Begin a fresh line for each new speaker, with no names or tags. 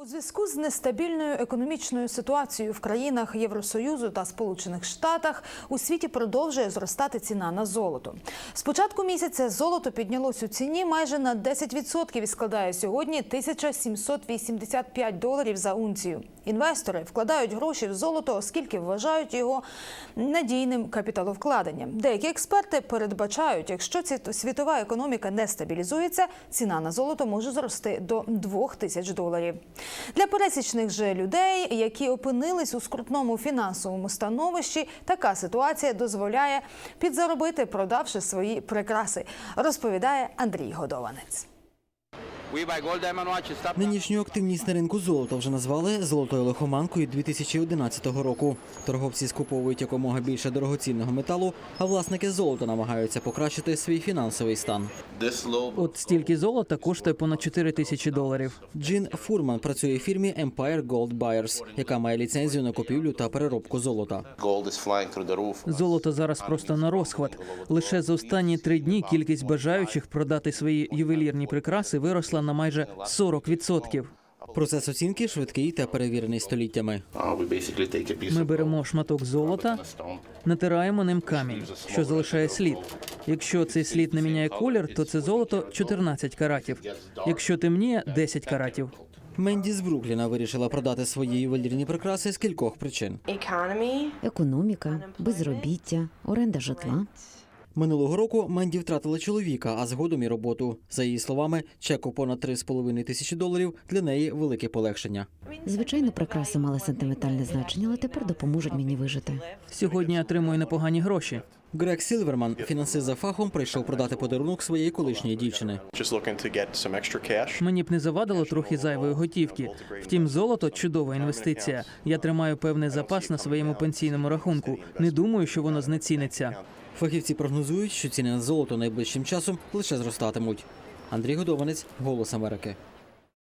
зв'язку з нестабільною економічною ситуацією в країнах Євросоюзу та Сполучених Штатах у світі продовжує зростати ціна на золото. З початку місяця золото піднялось у ціні майже на 10% і складає сьогодні $1785 за унцію. Інвестори вкладають гроші в золото, оскільки вважають його надійним капіталовкладенням. Деякі експерти передбачають, якщо світова економіка не стабілізується, ціна на золото може зрости до $2000. Для пересічних же людей, які опинились у скрутному фінансовому становищі, така ситуація дозволяє підзаробити, продавши свої прикраси, розповідає Андрій Годованець.
Нинішню активність на ринку золота вже назвали «золотою лихоманкою» 2011 року. Торговці скуповують якомога більше дорогоцінного металу, а власники золота намагаються покращити свій фінансовий стан.
От стільки золота коштує понад $4000.
Джин Фурман працює в фірмі Empire Gold Buyers, яка має ліцензію на купівлю та переробку золота.
Золото зараз просто на розхват. Лише за останні 3 дні кількість бажаючих продати свої ювелірні прикраси виросла на майже 40%.
Процес оцінки швидкий та перевірений століттями.
Ми беремо шматок золота, натираємо ним камінь, що залишає слід. Якщо цей слід не міняє колір, то це золото 14 каратів. Якщо темніє – 10 каратів.
Менді з Брукліна вирішила продати свої ювелірні прикраси з кількох причин.
Економіка, безробіття, оренда житла.
Минулого року Менді втратила чоловіка, а згодом і роботу. За її словами, чек у понад $3,5 тисячі для неї велике полегшення.
Звичайно, прикраси мали сентиментальне значення, але тепер допоможуть мені вижити.
Сьогодні я отримую непогані гроші.
Грег Сілверман, фінансист за фахом, прийшов продати подарунок своєї колишньої дівчини.
Мені б не завадило трохи зайвої готівки. Втім, золото – чудова інвестиція. Я тримаю певний запас на своєму пенсійному рахунку. Не думаю, що воно знеціниться.
Фахівці прогнозують, що ціни на золото найближчим часом лише зростатимуть. Андрій Годованець, «Голос Америки».